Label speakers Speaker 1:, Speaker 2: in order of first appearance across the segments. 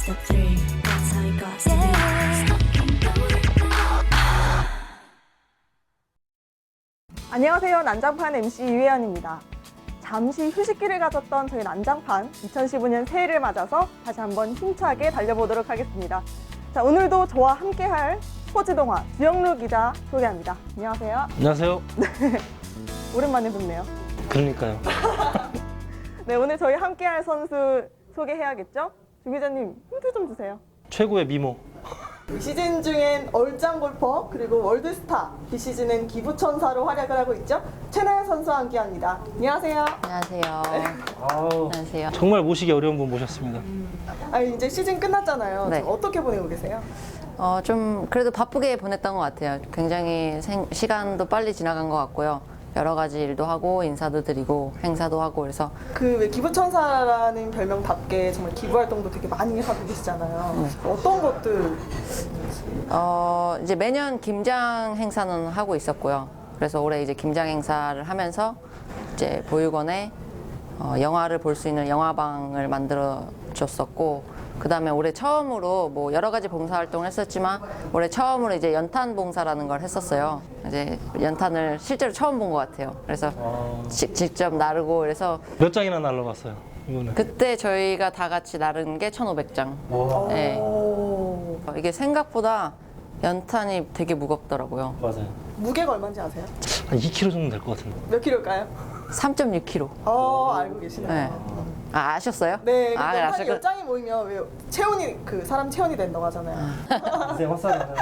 Speaker 1: step three. That's how you got to be.
Speaker 2: 안녕하세요. 난장판 MC 이회연입니다. 잠시 휴식기를 가졌던 저희 난장판 2015년 새해를 맞아서 다시 한번 힘차게 달려보도록 하겠습니다. 자, 오늘도 저와 함께할 스포츠동화 주영루 기자 소개합니다. 안녕하세요.
Speaker 3: 안녕하세요.
Speaker 2: 오랜만에 뵙네요.
Speaker 3: 그러니까요.
Speaker 2: 네, 오늘 저희 함께할 선수 소개해야겠죠? 주 기자님 힌트 좀 주세요.
Speaker 3: 최고의 미모.
Speaker 2: 시즌 중엔 얼짱 골퍼 그리고 월드스타, 비시즌엔 기부천사로 활약을 하고 있죠. 최나연 선수와 함께합니다. 안녕하세요.
Speaker 4: 안녕하세요.
Speaker 3: 아우,
Speaker 4: 안녕하세요.
Speaker 3: 정말 모시기 어려운 분 모셨습니다.
Speaker 2: 이제 시즌 끝났잖아요.
Speaker 4: 네.
Speaker 2: 지금 어떻게 보내고 계세요?
Speaker 4: 좀 그래도 바쁘게 보냈던 것 같아요. 굉장히 시간도 빨리 지나간 것 같고요. 여러 가지 일도 하고 인사도 드리고 행사도 하고 그래서
Speaker 2: 그 왜 기부천사라는 별명답게 정말 기부 활동도 되게 많이 하고 계시잖아요. 어떤 것들?
Speaker 4: 이제 매년 김장 행사는 하고 있었고요. 그래서 올해 이제 김장 행사를 하면서 이제 보육원에 영화를 볼 수 있는 영화방을 만들어 줬었고, 그 다음에 올해 처음으로 뭐 여러 가지 봉사활동을 했었지만 올해 처음으로 이제 연탄 봉사라는 걸 했었어요. 이제 연탄을 실제로 처음 본 것 같아요. 그래서 직접 나르고 그래서
Speaker 3: 몇 장이나 날라갔어요, 이번에?
Speaker 4: 그때 저희가 다 같이 나른 게 1,500장.
Speaker 3: 와.
Speaker 4: 네.
Speaker 2: 오.
Speaker 4: 이게 생각보다 연탄이 되게 무겁더라고요.
Speaker 3: 맞아요.
Speaker 2: 무게가 얼마인지 아세요?
Speaker 3: 한 2kg 정도 될 것 같은데.
Speaker 2: 몇 킬로일까요?
Speaker 4: 3.6kg.
Speaker 2: 알고 계시네요.
Speaker 4: 네. 아셨어요?
Speaker 2: 네,
Speaker 4: 아,
Speaker 2: 연탄이
Speaker 4: 아실 거-
Speaker 2: 10장이 모이면 왜 체온이 사람 체온이 된다고 하잖아요.
Speaker 3: 인생 헛살이잖아요.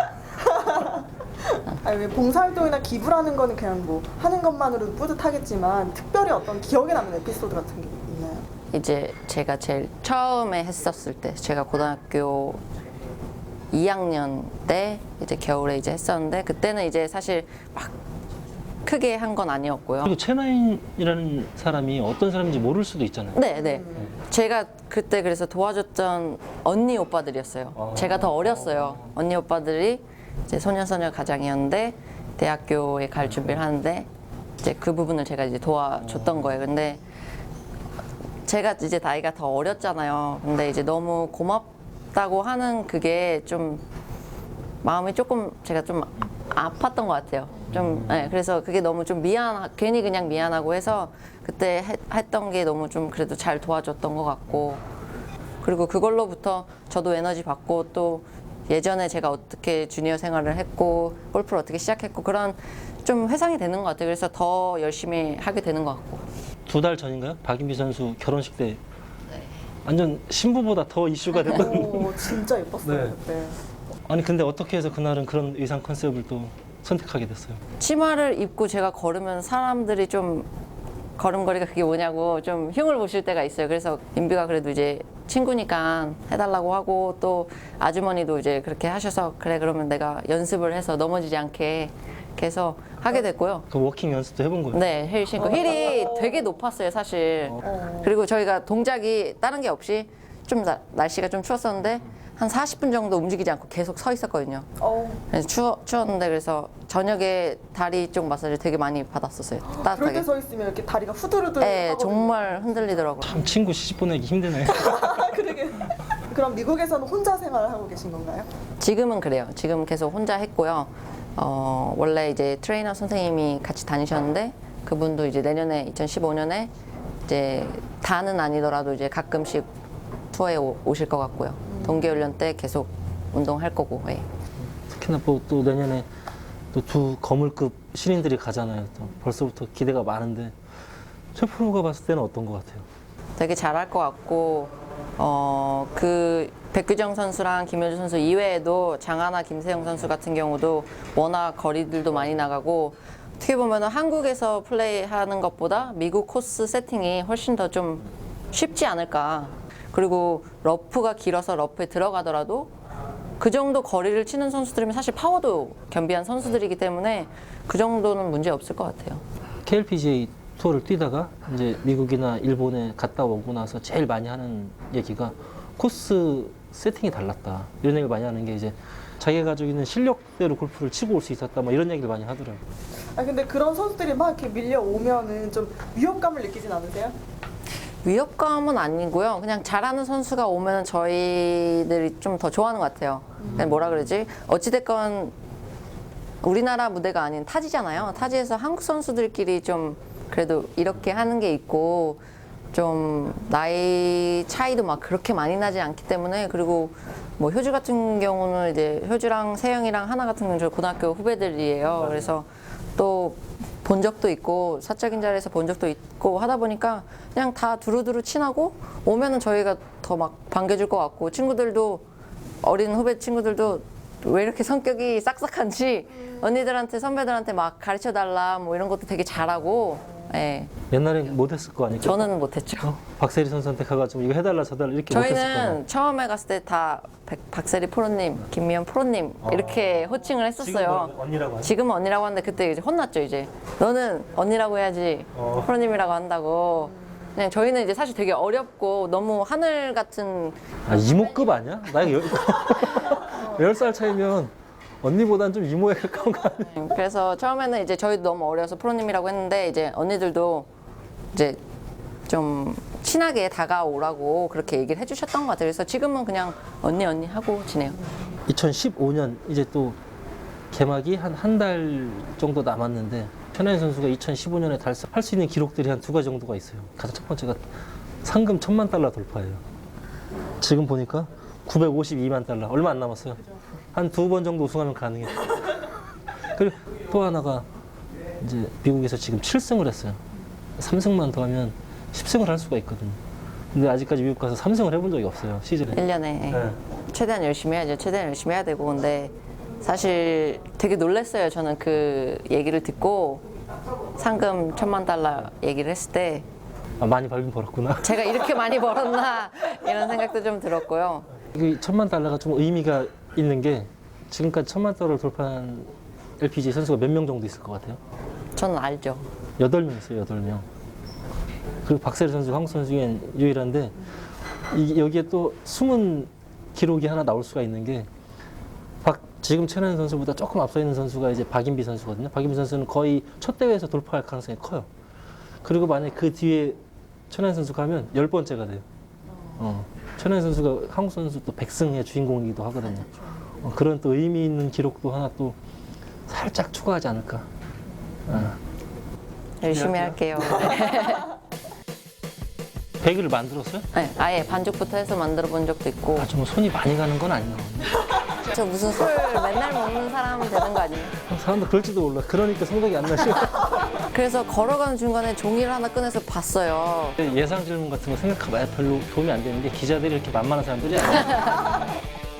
Speaker 2: 왜 봉사활동이나 기부라는 거는 그냥 뭐 하는 것만으로도 뿌듯하겠지만 특별히 어떤 기억에 남는 에피소드 같은 게 있나요?
Speaker 4: 이제 제가 제일 처음에 했었을 때, 제가 고등학교 2학년 때 이제 겨울에 이제 했었는데, 그때는 이제 사실 막 크게 한 건 아니었고요.
Speaker 3: 그리고 최나인이라는 사람이 어떤 사람인지 모를 수도 있잖아요.
Speaker 4: 네. 제가 그때 그래서 도와줬던 언니 오빠들이었어요. 제가 더 어렸어요. 언니 오빠들이 이제 소년소녀 가장이었는데 대학교에 갈 준비를 하는데 이제 그 부분을 제가 이제 도와줬던 거예요. 근데 제가 이제 나이가 더 어렸잖아요. 근데 이제 너무 고맙다고 하는 그게 좀 마음이 조금 제가 좀 아팠던 것 같아요. 네, 그래서 그게 너무 좀 괜히 그냥 미안하고 해서 그때 했던 게 너무 좀 그래도 잘 도와줬던 것 같고, 그리고 그걸로부터 저도 에너지 받고 또 예전에 제가 어떻게 주니어 생활을 했고 골프를 어떻게 시작했고 그런 좀 회상이 되는 것 같아요. 그래서 더 열심히 하게 되는 것 같고.
Speaker 3: 2달 전인가요? 박인비 선수 결혼식 때 완전 신부보다 더 이슈가 됐던.
Speaker 2: 오, 진짜 예뻤어요.
Speaker 3: 네.
Speaker 2: 그때.
Speaker 3: 아니 근데 어떻게 해서 그날은 그런 의상 컨셉을 또 선택하게 됐어요?
Speaker 4: 치마를 입고 제가 걸으면 사람들이 좀 걸음걸이가 그게 뭐냐고 좀 흉을 보실 때가 있어요. 그래서 인비가 그래도 이제 친구니까 해달라고 하고, 또 아주머니도 이제 그렇게 하셔서 그래 그러면 내가 연습을 해서 넘어지지 않게 이렇게 해서 하게 됐고요.
Speaker 3: 그 워킹 연습도 해본 거예요?
Speaker 4: 네, 힐 신고. 힐이 되게 높았어요, 사실. 그리고 저희가 동작이 다른 게 없이 좀 날씨가 좀 추웠었는데 한 40분 정도 움직이지 않고 계속 서 있었거든요. 그래서 추웠는데 그래서 저녁에 다리 쪽 마사지 되게 많이 받았었어요.
Speaker 2: 그럴
Speaker 4: 따뜻하게.
Speaker 2: 때 서 있으면 이렇게 다리가 후들후들
Speaker 4: 네,
Speaker 2: 하거든요.
Speaker 4: 정말 흔들리더라고요.
Speaker 3: 참 친구 시집 보내기 힘드네.
Speaker 2: 그러게. 그럼 미국에서는 혼자 생활을 하고 계신 건가요?
Speaker 4: 지금은 그래요. 지금 계속 혼자 했고요. 원래 이제 트레이너 선생님이 같이 다니셨는데 그분도 이제 내년에 2015년에 이제 다는 아니더라도 이제 가끔씩 투어에 오실 것 같고요. 동계훈련 때 계속 운동할 거고. 예.
Speaker 3: 특히나 또 내년에 또 두 거물급 신인들이 가잖아요. 또 벌써부터 기대가 많은데 최 프로가 봤을 때는 어떤 것 같아요?
Speaker 4: 되게 잘할 것 같고, 그 백규정 선수랑 김효주 선수 이외에도 장하나 김세영 선수 같은 경우도 워낙 거리들도 많이 나가고, 어떻게 보면 한국에서 플레이하는 것보다 미국 코스 세팅이 훨씬 더 좀 쉽지 않을까. 그리고 러프가 길어서 러프에 들어가더라도 그 정도 거리를 치는 선수들이면 사실 파워도 겸비한 선수들이기 때문에 그 정도는 문제 없을 것 같아요.
Speaker 3: KLPGA 투어를 뛰다가 이제 미국이나 일본에 갔다 오고 나서 제일 많이 하는 얘기가 코스 세팅이 달랐다. 이런 얘기를 많이 하는 게 이제 자기가 가지고 있는 실력대로 골프를 치고 올 수 있었다. 뭐 이런 얘기를 많이 하더라고요.
Speaker 2: 근데 그런 선수들이 막 이렇게 밀려오면은 좀 위협감을 느끼진 않으세요?
Speaker 4: 위협감은 아니고요. 그냥 잘하는 선수가 오면 저희들이 좀 더 좋아하는 것 같아요. 그냥 뭐라 그러지? 어찌됐건 우리나라 무대가 아닌 타지잖아요. 타지에서 한국 선수들끼리 좀 그래도 이렇게 하는 게 있고 좀 나이 차이도 막 그렇게 많이 나지 않기 때문에 그리고 뭐 효주 같은 경우는 이제 효주랑 세영이랑 하나 같은 경우는 저 고등학교 후배들이에요. 그래서 또 본 적도 있고 사적인 자리에서 본 적도 있고 하다 보니까 그냥 다 두루두루 친하고 오면은 저희가 더 막 반겨줄 것 같고 친구들도 어린 후배 친구들도 왜 이렇게 성격이 싹싹한지 언니들한테 선배들한테 막 가르쳐 달라 뭐 이런 것도 되게 잘하고 예.
Speaker 3: 옛날엔 못했을 거 아니에요?
Speaker 4: 저는 못했죠.
Speaker 3: 박세리 선수한테 가가지고 이거 해달라 저달라 이렇게 못했을 거예요.
Speaker 4: 저희는 처음에 갔을 때 다 박세리 프로님, 김미연 프로님 이렇게 호칭을 했었어요.
Speaker 3: 지금은 언니라고 하죠?
Speaker 4: 지금은 언니라고 하는데 그때 이제 혼났죠 이제. 너는 언니라고 해야지 프로님이라고 한다고. 그냥 저희는 이제 사실 되게 어렵고 너무 하늘 같은
Speaker 3: 아, 이모급 아니야? 나이가 10살 차이면 언니보단 좀 이모에 가까운 거 아니야?
Speaker 4: 그래서 처음에는 이제 저희도 너무 어려서 프로님이라고 했는데 이제 언니들도 이제 좀 친하게 다가오라고 그렇게 얘기를 해주셨던 것 같아요. 그래서 지금은 그냥 언니 하고 지내요.
Speaker 3: 2015년 이제 또 개막이 한 달 정도 남았는데 천하연 선수가 2015년에 달성할 수 있는 기록들이 한 2가지 정도가 있어요. 가장 첫 번째가 상금 $10,000,000 돌파예요. 지금 보니까 952만 달러 얼마 안 남았어요. 한 2번 정도 우승하면 가능해요. 그리고 또 하나가 이제 미국에서 지금 7승을 했어요. 3승만 더 하면 10승을 할 수가 있거든요. 근데 아직까지 미국 가서 3승을 해본 적이 없어요, 시즌에.
Speaker 4: 1년에
Speaker 3: 네.
Speaker 4: 최대한 열심히 해야죠. 최대한 열심히 해야 되고 근데 사실 되게 놀랐어요. 저는 그 얘기를 듣고 상금 $10,000,000 얘기를 했을 때
Speaker 3: 아, 많이 벌긴 벌었구나.
Speaker 4: 제가 이렇게 많이 벌었나 이런 생각도 좀 들었고요.
Speaker 3: 이 $10,000,000가 좀 의미가 있는 게 지금까지 $10,000,000을 돌파한 LPGA 선수가 몇 명 정도 있을 것 같아요?
Speaker 4: 저는 알죠.
Speaker 3: 8명 있어요, 8명. 그리고 박세리 선수, 한국 선수 중엔 유일한데 여기에 또 숨은 기록이 하나 나올 수가 있는 게 지금 최나연 선수보다 조금 앞서 있는 선수가 이제 박인비 선수거든요. 박인비 선수는 거의 첫 대회에서 돌파할 가능성이 커요. 그리고 만약 그 뒤에 최나연 선수가 하면 10번째가 돼요. 최나연 선수가 한국 선수 또 100승의 주인공이기도 하거든요. 그런 또 의미 있는 기록도 하나 또 살짝 추가하지 않을까.
Speaker 4: 열심히 할게요.
Speaker 3: 100을 만들었어요?
Speaker 4: 네, 아예 반죽부터 해서 만들어 본 적도 있고.
Speaker 3: 아, 좀 손이 많이 가는 건 아니에요.
Speaker 4: 저 무슨 술 맨날 먹는 사람 되는 거 아니에요?
Speaker 3: 사람들 그럴지도 몰라. 그러니까 성적이 안 나죠.
Speaker 4: 그래서 걸어가는 중간에 종이를 하나 꺼내서 봤어요.
Speaker 3: 예상 질문 같은 거 생각해봐야 별로 도움이 안 되는 게 기자들이 이렇게 만만한 사람들이 아니에요.